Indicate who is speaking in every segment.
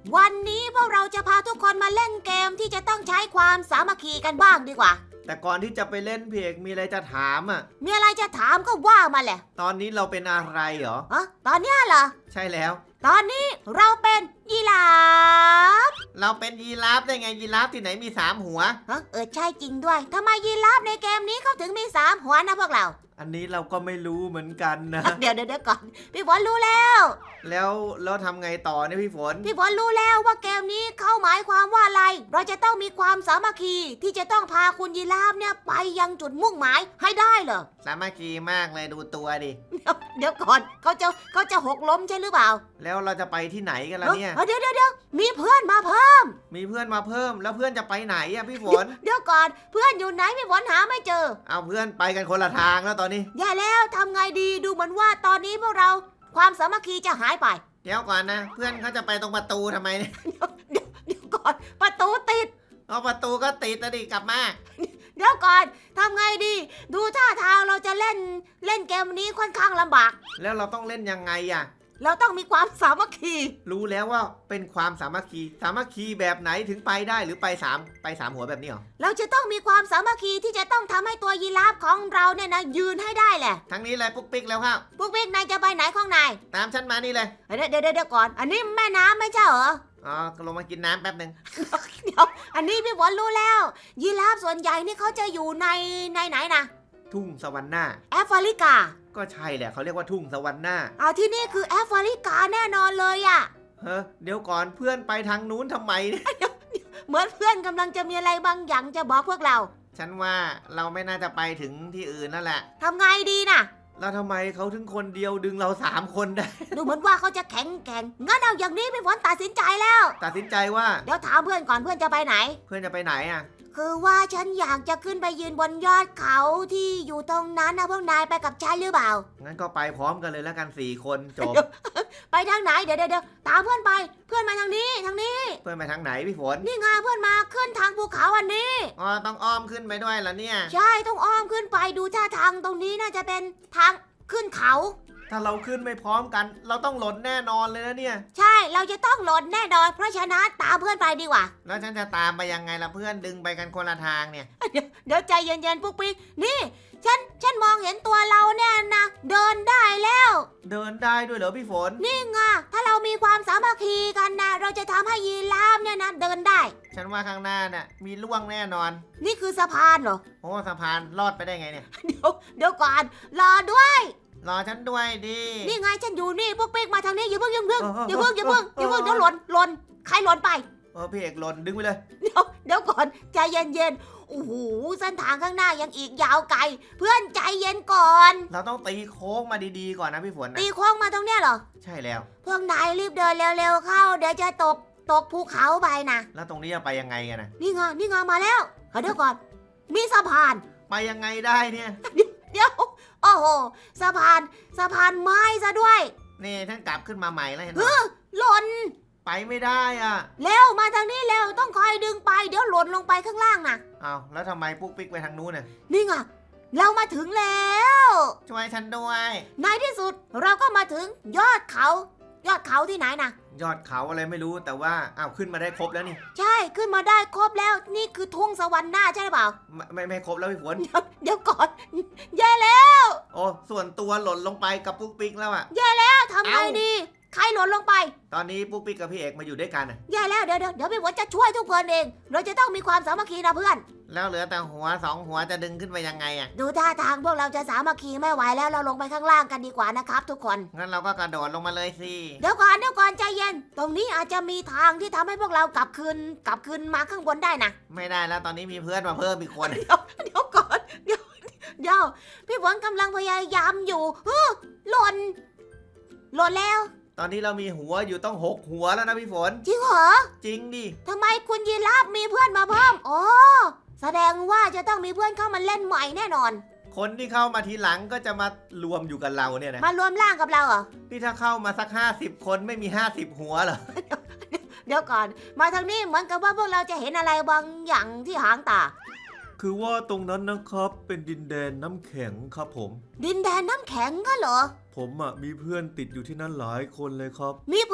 Speaker 1: วันนี้พวกเราจะพาทุกคนมาเล่นเกมที่จะต้องใช้ความสามัคคีกันบ้างดีกว่า
Speaker 2: แต่ก่อนที่จะไปเล่นพี่เอกมีอะไรจะถามอ่ะ
Speaker 1: มีอะไรจะถามก็ว่ามาแหละ
Speaker 2: ตอนนี้เราเป็นอะไรเหรอ
Speaker 1: ตอนนี้เหรอ
Speaker 2: ใช่แล้ว
Speaker 1: ตอนนี้เราเป็นยีราฟ
Speaker 2: เราเป็นยีราฟได้ไงยีราฟที่ไหนมี3หัว
Speaker 1: ใช่จริงด้วยทำไมยีราฟในเกมนี้เขาถึงมี3หัวนะพวกเรา
Speaker 2: อันนี้เราก็ไม่รู้เหมือนกันนะ
Speaker 1: เดี๋ยวก่อนพี่ฝนรู้แล้ว
Speaker 2: แล้วทำไงต่อเนี่ยพี่ฝน
Speaker 1: รู้แล้วว่าเกมนี้เขาหมายความว่าอะไรเราจะต้องมีความสามัคคีที่จะต้องพาคุณยีราฟเนี่ยไปยังจุดมุ่งหมายให้ได้เหรอ
Speaker 2: สามัคคีมากเลยดูตัวดิ
Speaker 1: เดี๋ยวก่อนเขาจะหกล้มใช่หรือเปล่า
Speaker 2: แล้วเราจะไปที่ไหนกันล่ะเนี่ย
Speaker 1: เดี๋ยวมีเพื่อนมาเพิ่ม
Speaker 2: แล้วเพื่อนจะไปไหนอ่ะพี่ฝน
Speaker 1: เดี๋ยวก่อนเพื่อนอยู่ไหนพี่ฝนหาไม่เจอ
Speaker 2: เอาเพื่อนไปกันคนละทางแล้วตอนนี้
Speaker 1: แย่แล้วทำไงดีดูเหมือนว่าตอนนี้พวกเราความสามัคคีจะหายไป
Speaker 2: เดี๋ยวก่อนนะเพื่อนเขาจะไปตรงประตูทำไมเนี่ย
Speaker 1: เดี๋ยวก่อนประตูติด
Speaker 2: เอาประตูก็ติดดิกลับมา
Speaker 1: เดี๋ยวก่อนทำไงดีดูท่าทางเราจะเล่นเกมนี้ค่อนข้างลำบาก
Speaker 2: แล้วเราต้องเล่นยังไงอ่ะ
Speaker 1: เราต้องมีความสามัคคี
Speaker 2: รู้แล้วว่าเป็นความสามัคคีแบบไหนถึงไปได้หรือไป3หัวแบบนี้หรอ
Speaker 1: เราจะต้องมีความสามัคคีที่จะต้องทำให้ตัวยีราฟของเราเนี่ยนะยืนให้ได้แหละ
Speaker 2: ทั้งนี้เลยปุ๊กปิ๊กแล้วครับ
Speaker 1: ปุ๊กปิ๊กนายจะไปไหนของนาย
Speaker 2: ตามฉันมานี่เลย
Speaker 1: เดี๋ยวก่อนอันนี้แม่น้ำไม่ใช่เหรอ
Speaker 2: ลงมากินน้ำแป๊บนึง
Speaker 1: เดี๋ยวอันนี้พี่ฝนรู้แล้วยีราฟส่วนใหญ่นี่เขาจะอยู่ในไหนนะ
Speaker 2: ทุ่งสวรรค์หน้า
Speaker 1: แอฟริกา
Speaker 2: ก็ใช่แหละเขาเรียกว่าทุ่งสวรรค์หน้า
Speaker 1: ที่นี่คือแอฟริกาแน่นอนเลยอ่ะ
Speaker 2: เดี๋ยวก่อนเพื่อนไปทางนู้นทำไมเนี่ย
Speaker 1: เหมือนเพื่อนกำลังจะมีอะไรบางอย่างจะบอกพวกเรา
Speaker 2: ฉันว่าเราไม่น่าจะไปถึงที่อื่นนั่นแหละ
Speaker 1: ทำไงดีน่ะ
Speaker 2: แล้วทำไมเขาถึงคนเดียวดึงเรา3คนได้
Speaker 1: ดูเหมือนว่าเขาจะแข็งงั้นเอาอย่างนี้พี่ฝนตัดสินใจแล้ว
Speaker 2: ตัดสินใจว่า
Speaker 1: เดี๋ยวถามเพื่อนก่อนเพื่อนจะไปไหน
Speaker 2: อ่ะ
Speaker 1: คือว่าฉันอยากจะขึ้นไปยืนบนยอดเขาที่อยู่ตรงนั้นนะพวกนายไปกับฉันหรือเปล่า
Speaker 2: งั้นก็ไปพร้อมกันเลยแล้วกัน4คนจบ
Speaker 1: ไปทางไหนเดี๋ยวตามเพื่อนไปเพื่อนมาทางนี้
Speaker 2: เพื่อนไปทางไหนพี่ฝน
Speaker 1: นี่ไงเพื่อนมาขึ้นทางภูเขาอันนี้
Speaker 2: ต้องอ้อมขึ้นไปด้วยเหรอเนี่ย
Speaker 1: ใช่ต้องอ้อมขึ้นไปดูท่าทางตรงนี้น่าจะเป็นทางขึ้นเขา
Speaker 2: ถ้าเราขึ้นไม่พร้อมกันเราต้องหล่นแน่นอนเลยนะเนี่ย
Speaker 1: ใช่เราจะต้องหล่นแน่นอนเพราะฉะนั้นตามเพื่อนไปดีกว่า
Speaker 2: แล้วฉันจะตามไปยังไงล่ะเพื่อนดึงไปกันคนละทางเนี่ย
Speaker 1: เดี๋ยวใจเย็นๆปุ๊กปิ๊กนี่ฉันมองเห็นตัวเราเนี่ยนะเดินได้แล้ว
Speaker 2: เดินได้ด้วยเหรอพี่ฝน
Speaker 1: นี่ไงถ้าเรามีความสามัคคีกันนะเราจะทำให้ยีราฟเนี่ยนะเดินได้
Speaker 2: ฉันว่าข้างหน้าน่ะมีล่วงแน่นอน
Speaker 1: นี่คือสะพานเหรอ
Speaker 2: โอ้สะพานลอดไปได้ไงเนี่ย
Speaker 1: เดี๋ยวก่อนรอด้วย
Speaker 2: รอฉันด้วยดิ
Speaker 1: นี่ไงฉันอยู่นี่พวกปิ๊กมาทางนี้อย่าเพิ่งเดี๋ยวหล่นใครหล่นไป
Speaker 2: พี่เอกหล่นดึงไปเลย
Speaker 1: เดี๋ยวก่อนใจเย็นโอ้โหเส้นทางข้างหน้ายังอีกยาวไกลเพื่อนใจเย็นก่อน
Speaker 2: เราต้องตีโค้งมาดีๆก่อนนะพี่ฝนนะ
Speaker 1: ตีโค้งมาตรงเนี้ยเหรอ
Speaker 2: ใช่แล้ว
Speaker 1: พวกนายรีบเดินเร็วๆเข้าเดี๋ยวจะตกภูเขาไปนะ
Speaker 2: แล้วตรงนี้จะไปยังไงกันนะ
Speaker 1: นี่ไงมาแล้วเดี๋ยวก่อนมีสะพาน
Speaker 2: ไปยังไงได้เนี่ย
Speaker 1: เดี๋ยวโอ้โหสะพานไม้ซะด้วย
Speaker 2: นี่ท่านกลับขึ้นมาใหม่แล้วเห็นไหม
Speaker 1: หล่น
Speaker 2: ไปไม่ได้อ่ะ
Speaker 1: เร็วมาทางนี้เร็วต้องคอยดึงไปเดี๋ยวหล่นลงไปข้างล่างนะ
Speaker 2: แล้วทำไมปุ๊กปิ๊กไปทางนู้นน่ะ
Speaker 1: นี่ไงเรามาถึงแล้ว
Speaker 2: ช่วยฉันด้วย
Speaker 1: ในที่สุดเราก็มาถึงยอดเขาที่ไหนนะ
Speaker 2: ยอดเขาอะไรไม่รู้แต่ว่าขึ้นมาได้ครบแล้วนี่
Speaker 1: ใช่ขึ้นมาได้ครบแล้วนี่คือทุ่งสวรรค์หน้าใช่หรือเปล่า
Speaker 2: ไม่ครบแล้วพี่ฝน
Speaker 1: เดี๋ยวก่อนแย่แล้ว
Speaker 2: ส่วนตัวหล่นลงไปกับปุ๊กปิ๊กแล้วอ่ะ
Speaker 1: แย่แล้วทำไงดีใครหล่นลงไป
Speaker 2: ตอนนี้ปุ๊กปิ๊กกับพี่เอกมาอยู่ด้วยกัน
Speaker 1: แย่แล้วเดี๋ยวพี่ฝนจะช่วยทุกคนเองเราจะต้องมีความสามัคคีนะเพื่อน
Speaker 2: แล้วเหลือแต่หัว2หัวจะดึงขึ้นไปยังไงอ่ะ
Speaker 1: ดูท่าทางพวกเราจะสามัคคีไม่ไหวแล้วเราลงไปข้างล่างกันดีกว่านะครับทุกคน
Speaker 2: งั้นเราก็กระโดดลงมาเลยสิ
Speaker 1: เดี๋ยวก่อนใจเย็นตรงนี้อาจจะมีทางที่ทำให้พวกเรากลับคืนมาข้างบนได้นะ
Speaker 2: ไม่ได้แล้วตอนนี้มีเพื่อนมาเพิ่มอีกคน
Speaker 1: เดี๋ยวก่อนเดี๋ยวพี่ฝนกำลังพยายามอยู่หล่นแล้ว
Speaker 2: ตอนนี้เรามีหัวอยู่ต้อง6หัวแล้วนะพี่ฝน
Speaker 1: จริงเหรอ
Speaker 2: จริงดิ
Speaker 1: ทำไมคุณยีราฟมีเพื่อนมาเพิ่มแสดงว่าจะต้องมีเพื่อนเข้ามาเล่นใหม่แน่นอน
Speaker 2: คนที่เข้ามาทีหลังก็จะมารวมอยู่กับเราเนี่ยนะ
Speaker 1: มารวมร่างกับเราเหรอ
Speaker 2: นี่ถ้าเข้ามาสัก50คนไม่มี50หัวเหรอ
Speaker 1: เดี๋ยวก่อนมาทางนี้เหมือนกับว่าพวกเราจะเห็นอะไรบางอย่างที่หางตา
Speaker 2: คือว่าตรงนั้นนะครับเป็นดินแดนน้ำแข็งครับผม
Speaker 1: ดินแดนน้ำแข็งก็เหรอ
Speaker 2: ผมมีเพื่อนติดอยู่ที่นั่นหลายคนเลยครับ
Speaker 1: มีเพื่อนติด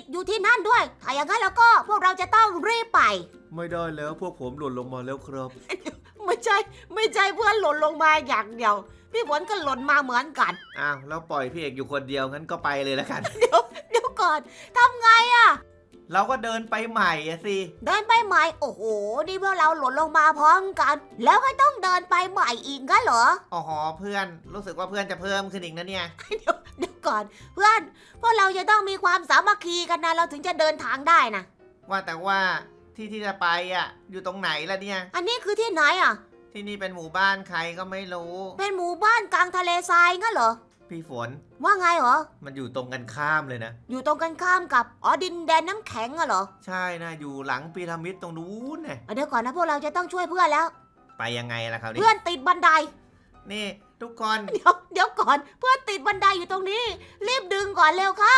Speaker 1: ดอยู่ที่นั่นด้วย ถ้าอย่างนั้นแล้วก็พวกเราจะต้องรีบไป
Speaker 2: ไม่ได้แล้วพวกผมหล่นลงมาแล้วครับ
Speaker 1: ไม่ใช่เพื่อนหล่นลงมาอย่างเดียว พี่ฝนก็หล่นมาเหมือนกัน
Speaker 2: อ้าวแล้วปล่อยพี่เอกอยู่คนเดียวงั้นก็ไปเลยละกัน
Speaker 1: เดี๋ยวก่อนทำไงอะ
Speaker 2: เราก็เดินไปใหม่อะสิ
Speaker 1: เดินไปใหม่โอ้โหนี่พวกเราหล่นลงมาพร้อมกัน แล้วก็ต้องเดินไปใหม่อีกงั้นเหรอ
Speaker 2: อ๋อเพื่อนรู้สึกว่าเพื่อนจะเพิ่มขึ้นอีกนะเนี่ย
Speaker 1: เดี๋ยวก่อนเพื่อนพวกเราจะต้องมีความสามัคคีกันนะเราถึงจะเดินทางได้นะ
Speaker 2: ว่าแต่ว่าที่จะไปอะอยู่ตรงไหนล่ะเนี่ย
Speaker 1: อันนี้คือที่ไหนอ่ะ
Speaker 2: ที่นี่เป็นหมู่บ้านใครก็ไม่รู้
Speaker 1: เป็นหมู่บ้านกลางทะเลทรายงั้นเหรอ
Speaker 2: พี่ฝน
Speaker 1: ว่าไงเหรอ
Speaker 2: มันอยู่ตรงกันข้ามเลยนะ
Speaker 1: อยู่ตรงกันข้ามกับดินแดนน้ำแข็งอะเหรอ
Speaker 2: ใช่นะอยู่หลังพีระมิดตรงนู้นน่ะ
Speaker 1: เดี๋ยวก่อนนะพวกเราจะต้องช่วยเพื่อนแล้ว
Speaker 2: ไปยังไงล่ะคราวนี้
Speaker 1: เพื่อนติดบันได
Speaker 2: นี่ทุกคน
Speaker 1: เดี๋ยวก่อนเพื่อนติดบันไดอยู่ตรงนี้ รีบดึงก่อนเร็วเข้าน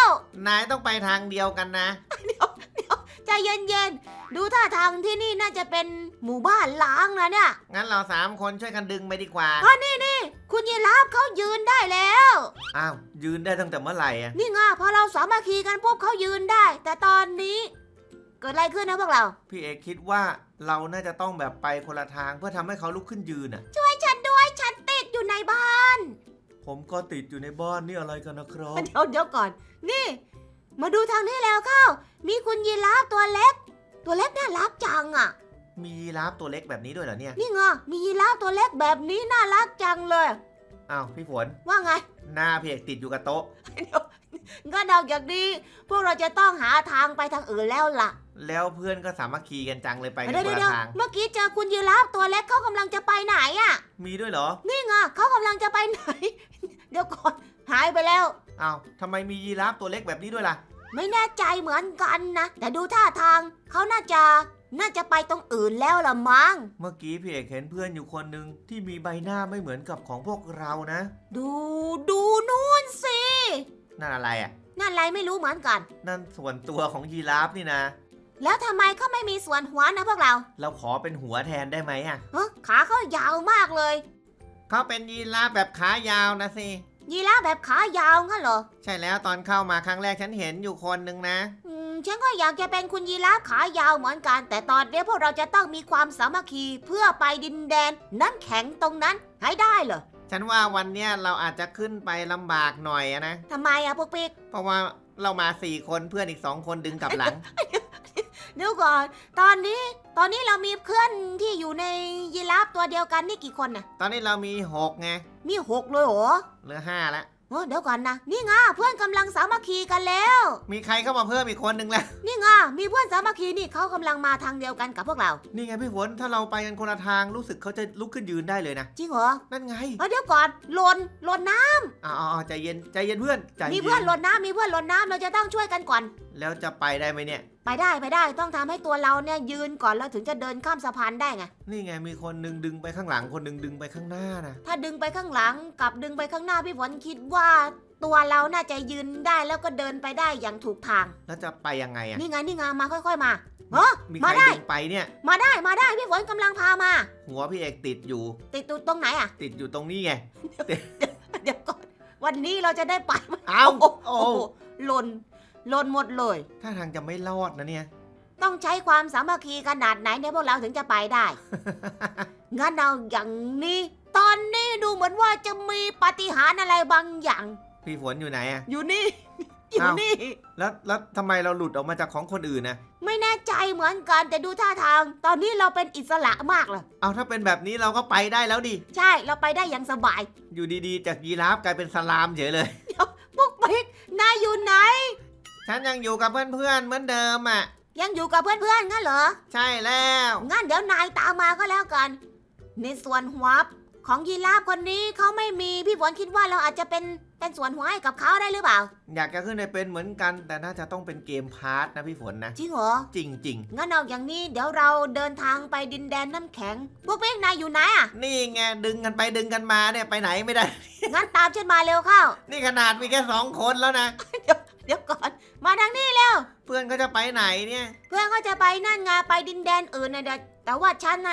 Speaker 2: ายต้องไปทางเดียวกันนะ
Speaker 1: ใจเย็นๆดูท่าทางที่นี่น่าจะเป็นหมู่บ้านล้างนะเนี่ย
Speaker 2: งั้นเรา3 คนช่วยกันดึงไปดีกว่า
Speaker 1: นี่คุณยีราฟเขายืนได้แล้ว
Speaker 2: อ้าวยืนได้ตั้งแต่เมื่อไหร่อะ
Speaker 1: นี่ไงพอเราสามัคคีกันปุ๊บเขายืนได้ แต่ตอนนี้เกิดอะไรขึ้นนะพวกเรา
Speaker 2: พี่เอกคิดว่าเราน่าจะต้องแบบไปคนละทางเพื่อทำให้เขาลุกขึ้นยืนอ่ะ
Speaker 1: ช่วยฉันด้วยฉันติดอยู่ในบ้าน
Speaker 2: ผมก็ติดอยู่ในบ้านนี่อะไรกันนะครับ
Speaker 1: เดี๋ยวก่อน นี่ มาดูทางนี้แล้วเข้า มีคุณยีราฟตัวเล็ก ตัวเล็กน่ารักจังอ่ะ
Speaker 2: มียีราฟตัวเล็กแบบนี้ด้วยเหรอเนี่ย
Speaker 1: นี่ไงมียีราฟตัวเล็กแบบนี้น่ารักจังเลย
Speaker 2: อ้าวพี่ฝน
Speaker 1: ว่าไง
Speaker 2: หน้าพี่เอกติดอยู่กับโต๊ะ
Speaker 1: งั้นเอาอย่างนี้พวกเราจะต้องหาทางไปทางอื่นแล้วล่ะ
Speaker 2: แล้วเพื่อนก็สามัคคีกันจังเลยไปกัน
Speaker 1: เดี๋ยว
Speaker 2: คน
Speaker 1: เดี๋ยว
Speaker 2: ละทาง
Speaker 1: เมื่อกี้เจอคุณยีราฟตัวเล็กเขากำลังจะไปไหนอ่ะ
Speaker 2: มีด้วยเหรอ
Speaker 1: นี่ไงเขากำลังจะไปไหน เดี๋ยวก่อนหายไปแล้ว
Speaker 2: อ้าวทำไมมียีราฟตัวเล็กแบบนี้ด้วยล่ะ
Speaker 1: ไม่แน่ใจเหมือนกันนะ แต่ดูท่าทางเขาน่าจะไปตรงอื่นแล้วละมั้ง
Speaker 2: เมื่อกี้พี่เอกเห็นเพื่อนอยู่คนหนึ่งที่มีใบหน้าไม่เหมือนกับของพวกเรานะ
Speaker 1: ดูนู่นสิ
Speaker 2: นั่นอะไรอ่ะ
Speaker 1: นั่นอะไรไม่รู้เหมือนกัน
Speaker 2: นั่นส่วนตัวของยีราฟนี่นะ
Speaker 1: แล้วทำไมเขาไม่มีส่วนหัวนะพวกเรา
Speaker 2: เราขอเป็นหัวแทนได้ไหมอ่ะ
Speaker 1: ขาเขายาวมากเลย
Speaker 2: เขาเป็นยีราฟแบบขายาวนะสิ
Speaker 1: ยีราฟแบบขายาวงั้นเหรอ
Speaker 2: ใช่แล้วตอนเข้ามาครั้งแรกฉันเห็นอยู่คนหนึ่งนะ
Speaker 1: ฉันก็อยากจะเป็นคุณยีราฟขายาวเหมือนกัน แต่ตอนนี้พวกเราจะต้องมีความสามัคคีเพื่อไปดินแดนน้ำแข็งตรงนั้นให้ได้เหรอ
Speaker 2: ฉันว่าวันเนี้ยเราอาจจะขึ้นไปลำบากหน่อยอะนะ
Speaker 1: ทำไมอะพวกปิ๊ก
Speaker 2: เพราะว่าเรามา4 คนเพื่อนอีก2 คนดึงกลับหลัง
Speaker 1: เดี๋ยวก่อน ตอนนี้เรามีเพื่อนที่อยู่ในยีราฟตัวเดียวกันนี่กี่คนน่ะ
Speaker 2: ตอนนี้เรามี6ไง
Speaker 1: มี6เลยเหรอ
Speaker 2: เหลือ5แล้ว
Speaker 1: เดี๋ยวก่อนนะ นี่ไงเพื่อนกำลังสามัคคีกันแล้ว
Speaker 2: มีใครเข้ามาเพิ่มอีกคนหนึ่งแล้ว
Speaker 1: นี่ไงมีเพื่อนสามัคคีนี่เขากำลังมาทางเดียวกันกับพวกเรา
Speaker 2: นี่ไงพี่ฝนถ้าเราไปกันคนละทางรู้สึกเขาจะลุกขึ้นยืนได้เลยนะ
Speaker 1: จริงเหรอ
Speaker 2: นั่นไง
Speaker 1: เดี๋ยวก่อนหล่นน้
Speaker 2: อ๋อใจเย็นใจเย็นเพื่อนใจ
Speaker 1: ำ
Speaker 2: เย็น
Speaker 1: มีเพื่อนหล่นน้ำเราจะต้องช่วยกันก่อน
Speaker 2: แล้วจะไปได้ไหมเนี่ย
Speaker 1: ไปได้ต้องทำให้ตัวเราเนี่ยยืนก่อนแล้วถึงจะเดินข้ามสะพานได้ไง
Speaker 2: นี่ไงมีคนหนึงดึงไปข้างหลังคนหนึงดึงไปข้างหน้านะ
Speaker 1: ถ้าดึงไปข้างหลังกับดึงไปข้างหน้าพี่ฝนคิดว่า ตัวเราน่าจะยืนได้แล้วก็เดินไปได้อย่างถูกทาง
Speaker 2: แล้วจะไปยังไงอะ
Speaker 1: นี่ไงมาค่อยๆมา
Speaker 2: มีใค
Speaker 1: มาร ได้
Speaker 2: ดึงไปเนี่ย
Speaker 1: มาได้พี่ฝนกำลังพามา
Speaker 2: หัวพี่เอกติดอยู่
Speaker 1: ติดอยู่ตรงไหนอะ
Speaker 2: ติดอยู่ตรงนี้ไง
Speaker 1: เดี๋ยวก่อนวันนี้เราจะได้ไปไหม
Speaker 2: เอ้า
Speaker 1: โอ้
Speaker 2: โอ้
Speaker 1: โหหล่นหมดเลย
Speaker 2: ถ้าทางจะไม่รอดนะเนี่ย
Speaker 1: ต้องใช้ความสามัคคีขนาดไหนเนี่ยพวกเราถึงจะไปได้ งั้นเอาอย่างนี้ ตอนนี้ดูเหมือนว่าจะมีปาฏิหาริย์อะไรบางอย่าง
Speaker 2: พี่ฝนอยู่ไหนอะ
Speaker 1: อยู่นี่ อยู่
Speaker 2: อ้าว
Speaker 1: นี่
Speaker 2: แล้วทำไมเราหลุดออกมาจากของคนอื่นนะ
Speaker 1: ไม่แน่ใจเหมือนกันแต่ดูท่าทาง ตอนนี้เราเป็นอิสระมากเลย
Speaker 2: เอาถ้าเป็นแบบนี้เราก็ไปได้แล้วดิ
Speaker 1: ใช่เราไปได้อย่างสบาย
Speaker 2: อยู่ดีๆจากยีราฟกลายเป็นสลามเฉยเลย
Speaker 1: พวกปิ๊กนายอยู่ไหน
Speaker 2: ฉันยังอยู่กับเพื่อนๆเหมือนเดิมอ่ะ
Speaker 1: ยังอยู่กับเพื่อนๆงั้นเหรอ
Speaker 2: ใช่แล้ว
Speaker 1: งั้นเดี๋ยวนายตามมาก็แล้วกัน ในส่วนหัวของยีราฟคนนี้เขาไม่มีพี่ฝนคิดว่าเราอาจจะเป็นส่วนหัวให้กับเขาได้หรือเปล่า
Speaker 2: อยากจะขึ้นไปเป็นเหมือนกัน แต่น่าจะต้องเป็นเกมพาร์ทนะพี่ฝนนะ
Speaker 1: จริงเหรอ
Speaker 2: จริง
Speaker 1: งั้นเอาอย่างนี้เดี๋ยวเราเดินทางไปดินแดนน้ำแข็ง พวกเป้งนายอยู่ไหนอ่ะ
Speaker 2: ๆ นี่ไงดึงกันไปดึงกันมาเนี่ยไปไหนไม่ได้
Speaker 1: งั้นตามฉันมาเร็วเข้า
Speaker 2: นี่ขนาดมีแค่2 คนแล้วนะ
Speaker 1: เดี๋ยวก่อน มาทางนี้เร็ว
Speaker 2: เพื่อนก็จะไปไหนเนี่ย
Speaker 1: เพื่อนเขาจะไปนั่นไงไปดินแดนอื่นนะเดี๋ยวแต่ว่าฉันนะ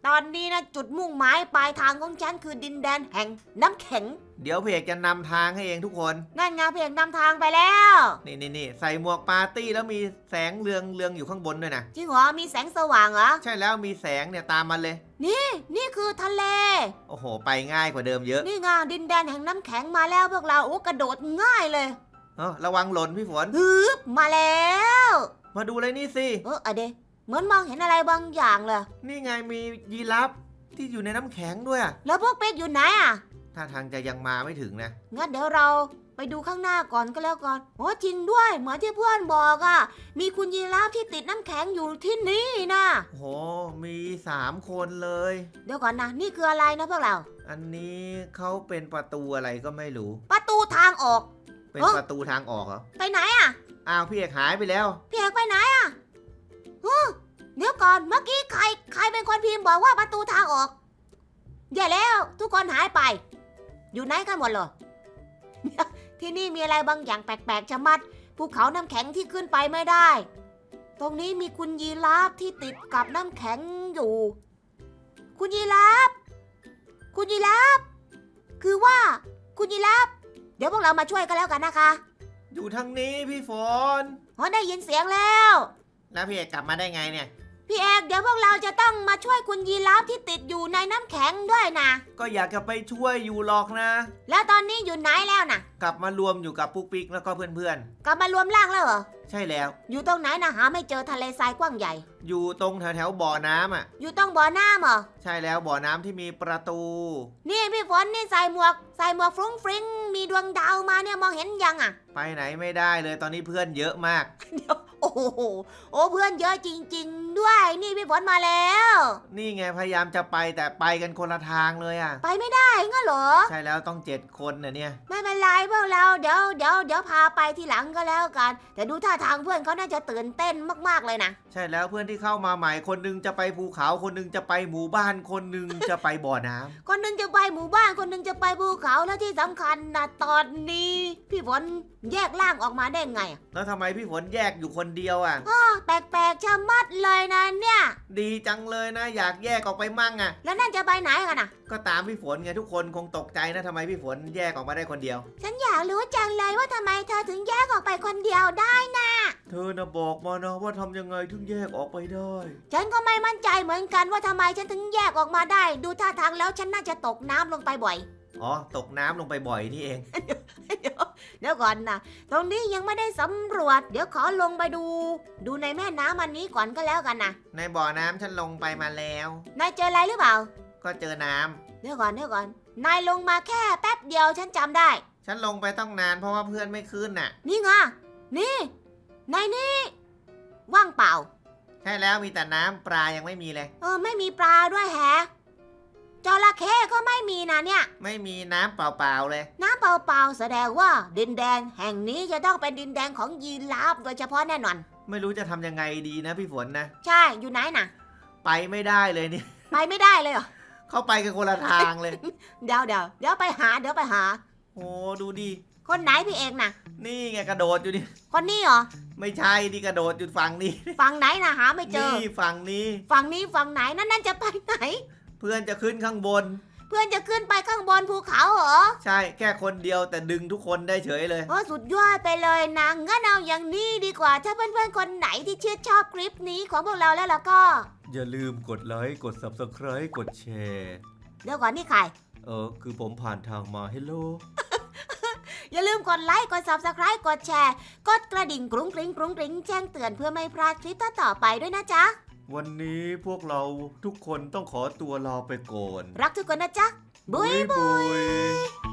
Speaker 1: ตอนนี้นะจุดมุ่งหมายปลายทางของฉันคือดินแดนแห่งน้ำแข็ง
Speaker 2: เดี๋ยวพี่เอกจะนำทางให้เองทุกคน
Speaker 1: นั่นไงเพียงนำทางไปแล้ว
Speaker 2: นี่ใส่หมวกปาร์ตี้แล้วมีแสงเรืองอยู่ข้างบนด้วยนะ
Speaker 1: จริงเหรอมีแสงสว่างเหรอ
Speaker 2: ใช่แล้วมีแสงเนี่ยตามมันเลย
Speaker 1: นี่คือทะเล
Speaker 2: โอ้โห ไปง่ายกว่าเดิมเยอะ
Speaker 1: นี่ไงดินแดนแห่งน้ำแข็งมาแล้วพวกเราโอ้กระโดดง่ายเลย
Speaker 2: ระวังหล่นพี่ฝน
Speaker 1: ฮึบมาแล้ว
Speaker 2: มาดูเลยนี่สิ
Speaker 1: อะเดเหมือนมองเห็นอะไรบางอย่างเลย
Speaker 2: นี่ไงมียีราฟที่อยู่ในน้ำแข็งด้วยอะ
Speaker 1: แล้วพวกเป็ดอยู่ไหนอ่ะ
Speaker 2: ท่าทางจะยังมาไม่ถึงนะ
Speaker 1: งั้นเดี๋ยวเราไปดูข้างหน้าก่อนก็แล้วกันโอ้จริงด้วยเหมือนที่เพื่อนบอกอ่ะมีคุณยีราฟที่ติดน้ำแข็งอยู่ที่นี่นะ
Speaker 2: โอ้โห มี3 คนเลย
Speaker 1: เดี๋ยวก่อนนะนี่คืออะไรนะพวกเรา
Speaker 2: อันนี้เขาเป็นประตูอะไรก็ไม่รู้
Speaker 1: ประตูทางออก
Speaker 2: เป็น
Speaker 1: เอ้อ
Speaker 2: ประตูทางออกเหรอ
Speaker 1: ไปไหนอ่ะ
Speaker 2: อ้าวพี่เอกหายไปแล้ว
Speaker 1: พี่เอกไปไหนอ่ะเดี๋ยวก่อนเมื่อกี้ใครเป็นคนพิมพ์บอกว่าประตูทางออกอย่าแล้วทุกคนหายไป อยู่ไหนกันหมดเลย ที่นี่มีอะไรบางอย่างแปลกๆชะมัดภูเขาน้ำแข็งที่ขึ้นไปไม่ได้ ตรงนี้มีคุณยีราฟที่ติดกับน้ำแข็งอยู่ คุณยีราฟคุณยีราฟคือว่าคุณยีราฟเดี๋ยวพวกเรามาช่วยกันแล้วกันนะคะ
Speaker 2: อยู่ทางนี้พี่ฝน
Speaker 1: ได้ยินเสียงแล้ว
Speaker 2: แล้วพี่เอกกลับมาได้ไงเนี่ย
Speaker 1: พี่เอกเดี๋ยวพวกเราจะต้องมาช่วยคุณยีราฟที่ติดอยู่ในน้ำแข็งด้วยนะ
Speaker 2: ก็อยากจะไปช่วยอยู่หรอกนะ
Speaker 1: แล้วตอนนี้อยู่ไหนแล้วนะ
Speaker 2: กลับมารวมอยู่กับปุ๊กปิ๊กแล้วก็เพื่อน
Speaker 1: กลับมารวมร่างแล้วเหรอ
Speaker 2: ๆ ใช่แล้ว
Speaker 1: อยู่ตรงไหนนะหาไม่เจอทะเลทรายกว้างใหญ่
Speaker 2: อยู่ตรงแถวบ่อน้ำอ่ะ
Speaker 1: อยู่ตรงบ่อน้ำเหรอ
Speaker 2: ใช่แล้วบ่อน้ำที่มีประตู
Speaker 1: นี่พี่ฝนนี่ใส่หมวกฟรุ้งฟริ้งมีดวงดาวมาเนี่ยมองเห็นยังอ่ะ
Speaker 2: ไปไหนไม่ได้เลยตอนนี้เพื่อนเยอะมาก
Speaker 1: โอ้โหโอ้เพื่อนเยอะจริงๆด้วย นี่พี่ฝนมาแล้ว
Speaker 2: นี่ไงพยายามจะไปแต่ไปกันคนละทางเลยอ่ะ
Speaker 1: ไปไม่ได้งั้นเหรอ
Speaker 2: ใช่แล้วต้อง7 คนนะเนี่ย
Speaker 1: ไม่เป็นไรพวกเราเดี๋ยวพาไปทีหลังก็แล้วกัน แต่ดูท่าทางเพื่อนเขาน่าจะตื่นเต้นมากๆเลยนะ
Speaker 2: ใช่แล้วเพื่อนที่เข้ามาใหม่คนหนึงจะไปภูเขาคนหนึงจะไปหมู่บ้านคนหนึงจะไปบ่อน้ำ
Speaker 1: คนหนึงจะไปหมู่บ้านคนหนึงจะไปภูเขาแล้วที่สำคัญนะตอนนี้พี่ฝนแยกร่างออกมาได้ไงอะ
Speaker 2: แล้วทำไมพี่ฝนแยกอยู่คนเดียวอ่ะ
Speaker 1: แปลกๆชะมัดเลยนะเนี่ย
Speaker 2: ดีจังเลยนะอยากแยกออกไปมั่งอ่ะ
Speaker 1: แล้วนั่นจะไปไหนกันอ่ะ
Speaker 2: ก็ตามพี่ฝนไงทุกคนคงตกใจนะทำไมพี่ฝนแยกออกมาได้คนเดียว
Speaker 1: ฉันอยากรู้จังเลยว่าทำไมเธอถึงแยกออกไปคนเดียวได้นะ
Speaker 2: เธอนะบอกมานะว่าทำยังไงถึงแยกออกไปได้
Speaker 1: ฉันก็ไม่มั่นใจเหมือนกันว่าทำไมฉันถึงแยกออกมาได้ ดูท่าทางแล้วฉันน่าจะตกน้ำลงไปบ่อย
Speaker 2: อ๋อตกน้ำลงไปบ่อยนี่เอง
Speaker 1: เดี๋ยวก่อนนะตรงนี้ยังไม่ได้สำรวจ เดี๋ยวขอลงไปดูในแม่น้ำอันนี้ก่อนก็แล้วกันนะ
Speaker 2: ในบ่อน้ำฉันลงไปมาแล้ว
Speaker 1: นายเจออะไรหรือเปล่า
Speaker 2: ก็เจอน้ำ
Speaker 1: เดี๋ยวก่อนนายลงมาแค่แป๊บเดียวฉันจำได้
Speaker 2: ฉันลงไปต้องนานเพราะว่าเพื่อนไม่ขึ้นน่ะ
Speaker 1: นี่ไงนี่ในนี่ว่างเปล่า
Speaker 2: ใช่แล้วมีแต่น้ำปลายังไม่มีเลย
Speaker 1: ไม่มีปลาด้วยแฮะจระเข้ก็ไม่มีนะเนี่ย
Speaker 2: ไม่มีน้ำเปล่าๆเลย
Speaker 1: น้ำเปล่าๆแสดงว่าดินแดนแห่งนี้จะต้องเป็นดินแดนของยีราฟโดยเฉพาะแน่นอน
Speaker 2: ไม่รู้จะทำยังไงดีนะพี่ฝนนะ
Speaker 1: ใช่อยู่ไหนน่ะ
Speaker 2: ไปไม่ได้เลยนี่
Speaker 1: ไปไม่ได้เลยเหรอ
Speaker 2: เข้าไปกันคนละทางเลย
Speaker 1: เดี๋ยวไปหา
Speaker 2: โอ้ดูดิ
Speaker 1: คนไหนพี่เอกน่ะ
Speaker 2: นี่ไงกระโดดอยู่ดิ
Speaker 1: คนนี้เหรอ
Speaker 2: ไม่ใช่ดิกระโดดอยู่ฝั่งนี้
Speaker 1: ฝั่งไหนน่ะหาไม่เจอ
Speaker 2: นี่ฝั่งนี้
Speaker 1: ฝั่งนี้ฝั่งไหนนั่นจะไปไหน
Speaker 2: เพื่อนจะขึ้นข้างบน
Speaker 1: เพื่อนจะขึ้นไปข้างบนภูเขาเหรอ
Speaker 2: ใช่แค่คนเดียวแต่ดึงทุกคนได้เฉยเลย
Speaker 1: สุดยอดไปเลยนะงั้นเอาอย่างนี้ดีกว่า ถ้าเพื่อนๆคนไหนที่ชื่นชอบคลิปนี้ของพวกเราแล้วล่ะก็
Speaker 2: อย่าลืมกดไลค์กด Subscribe กดแชร์
Speaker 1: เดี๋ยวก่อนนี่ใคร
Speaker 2: คือผมผ่านทางมาเฮลโล
Speaker 1: อย่าลืมกดไลค์ กด Subscribe กดแชร์ กดกระดิ่งกรุ้งกริ้งกรุ้งกริ้งแจ้งเตือนเพื่อไม่พลาดคลิปต่อไปด้วยนะจ๊ะ
Speaker 2: วันนี้พวกเราทุกคนต้องขอตัวลาไปก่อน
Speaker 1: รักทุกคนนะจ๊ะ บุยบุย